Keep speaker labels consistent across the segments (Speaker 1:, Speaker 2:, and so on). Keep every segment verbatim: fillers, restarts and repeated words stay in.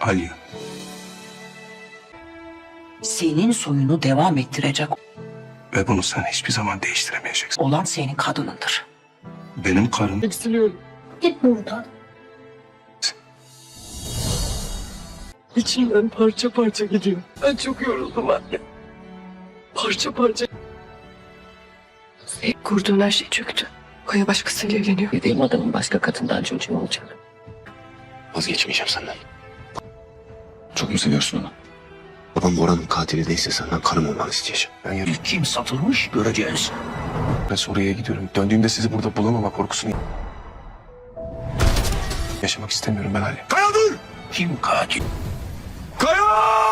Speaker 1: Alya.
Speaker 2: Senin soyunu devam ettirecek
Speaker 1: Ve bunu sen hiçbir zaman değiştiremeyeceksin.
Speaker 2: olan senin kadınındır.
Speaker 1: Benim karım
Speaker 3: Eksiliyorum.
Speaker 4: Git buradan.
Speaker 3: İçimden parça parça gidiyor. Ben çok yoruldum anne. Parça parça. Kurduğun her şey çöktü. Kaya başkasıyla evleniyor.
Speaker 2: Dediğim adamın başka kadından çocuğu olacak.
Speaker 5: Vazgeçmeyeceğim senden. Çok mu seviyorsun onu? Babam Bora'nın katili değilse senden karım olmanı isteyeceğim. Ben yarın
Speaker 2: Kim satılmış göreceğiz.
Speaker 1: ben Suriye'ye gidiyorum. Döndüğümde sizi burada bulamama korkusunu yaşamak istemiyorum ben Alya. Kaya dur!
Speaker 2: Kim katil?
Speaker 1: Kaya!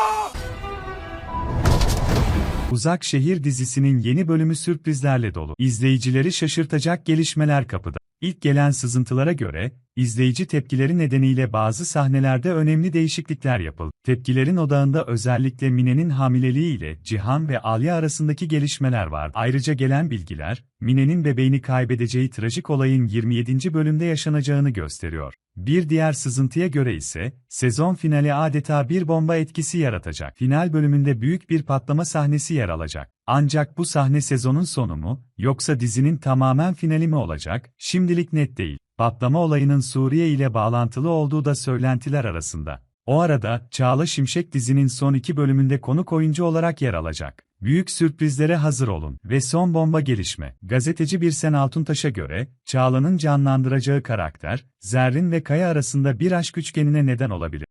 Speaker 6: Uzak Şehir dizisinin yeni bölümü sürprizlerle dolu. İzleyicileri şaşırtacak gelişmeler kapıda. İlk gelen sızıntılara göre, izleyici tepkileri nedeniyle bazı sahnelerde önemli değişiklikler yapıldı. Tepkilerin odağında özellikle Mine'nin hamileliği ile Cihan ve Alya arasındaki gelişmeler var. Ayrıca gelen bilgiler, Mine'nin bebeğini kaybedeceği trajik olayın yirmi yedinci bölümde yaşanacağını gösteriyor. Bir diğer sızıntıya göre ise, sezon finali adeta bir bomba etkisi yaratacak. Final bölümünde büyük bir patlama sahnesi yer alacak. Ancak bu sahne sezonun sonu mu, yoksa dizinin tamamen finali mi olacak, şimdilik net değil. Patlama olayının Suriye ile bağlantılı olduğu da söylentiler arasında. O arada, Çağla Şimşek dizinin son iki bölümünde konuk oyuncu olarak yer alacak. Büyük sürprizlere hazır olun. Ve son bomba gelişme. Gazeteci Birsen Altuntaş'a göre, Çağla'nın canlandıracağı karakter, Zerrin ve Kaya arasında bir aşk üçgenine neden olabilir.